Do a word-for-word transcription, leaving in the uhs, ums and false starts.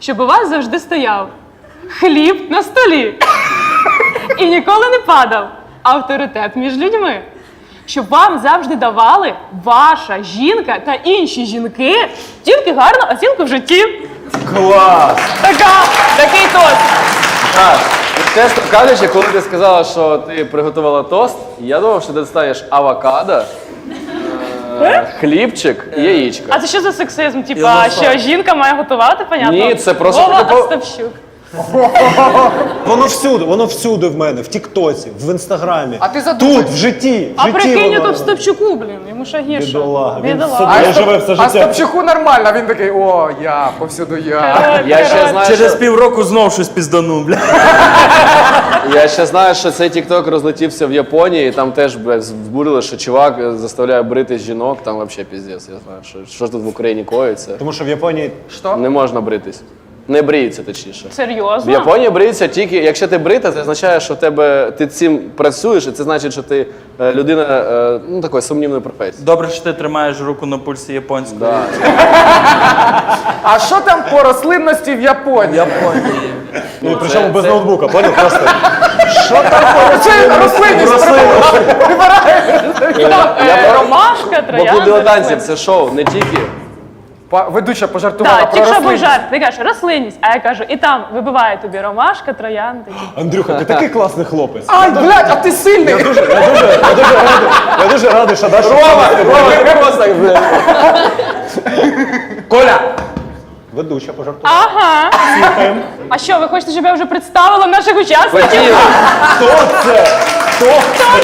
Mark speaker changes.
Speaker 1: щоб у вас завжди стояв хліб на столі і ніколи не падав авторитет між людьми. Щоб вам завжди давали ваша жінка та інші жінки тільки гарну оцінку в житті.
Speaker 2: Клас!
Speaker 1: Така, такий тост.
Speaker 2: Так, чесно кажучи, коли ти сказала, що ти приготувала тост, я думав, що ти достанеш авокадо, е, хлібчик і яєчко.
Speaker 1: А це що за сексизм? Типа, що жінка має готувати, понятно?
Speaker 2: Ні, це просто
Speaker 1: Вова
Speaker 2: типу-
Speaker 1: Остапчук.
Speaker 3: Воно всюди, воно всюди в мене, в Тіктоці, в Інстаграмі.
Speaker 4: А ти задумайся.
Speaker 3: Тут, в житті, в
Speaker 1: А
Speaker 3: житті
Speaker 1: прикинь,
Speaker 3: воно.
Speaker 1: тут Стопчуку, блін, йому ще гірше.
Speaker 3: Бідолага, він
Speaker 1: Бідолага.
Speaker 3: собі-
Speaker 4: А
Speaker 3: Я живе все
Speaker 4: а
Speaker 3: життя.
Speaker 4: Стопчуку нормально, він такий, о, я, повсюду я.
Speaker 1: Коротше,
Speaker 2: Я ще
Speaker 1: коротше.
Speaker 2: знаю,
Speaker 5: Через
Speaker 2: що,
Speaker 5: півроку знов щось пізданув, бля.
Speaker 2: я ще знаю, що цей тікток розлетівся в Японії, і там теж блядь, збурили, що чувак заставляє брити жінок, там взагалі піздець. Я знаю, що, що тут в Україні коїться.
Speaker 3: Тому що в Японії
Speaker 4: Що?
Speaker 2: Не можна бритись. Не бриється, точніше. В
Speaker 1: Серйозно?
Speaker 2: Японії бриються тільки, якщо ти брита, це означає, що в тебе ти цим працюєш, і це значить, що ти е, людина е, ну, такої сумнівної професії.
Speaker 5: Добре, що ти тримаєш руку на пульсі японської.
Speaker 2: Да.
Speaker 4: А що там по рослинності в Японії?
Speaker 5: Японії.
Speaker 3: ну, і причому
Speaker 2: це-
Speaker 3: без
Speaker 2: це-
Speaker 3: ноутбука, поняв? Просто
Speaker 4: Це рослинність
Speaker 1: Е, Ромашка,
Speaker 2: Бо
Speaker 1: троянда.
Speaker 2: клуб дилетантів
Speaker 1: рослина.
Speaker 2: це шоу, не тільки.
Speaker 4: Па- Ведуча пожартувала
Speaker 1: Так,
Speaker 4: про
Speaker 1: тільки що був
Speaker 4: рослинність.
Speaker 1: жарт. Ти кажеш рослинність, а я кажу, і там вибиває тобі ромашка, троянда.
Speaker 3: Андрюха, ти такий класний хлопець.
Speaker 4: Ай, блядь, а ти сильний!
Speaker 3: Я дуже, я дуже, я дуже радий, я дуже радий, що Даша...
Speaker 2: Рома, Рома, просто блядь.
Speaker 4: Коля!
Speaker 3: Ведуча пожартувала.
Speaker 1: Ага. А що, ви хочете, щоб я вже представила наших учасників?
Speaker 2: Хотів.
Speaker 3: Хто це? Хто це?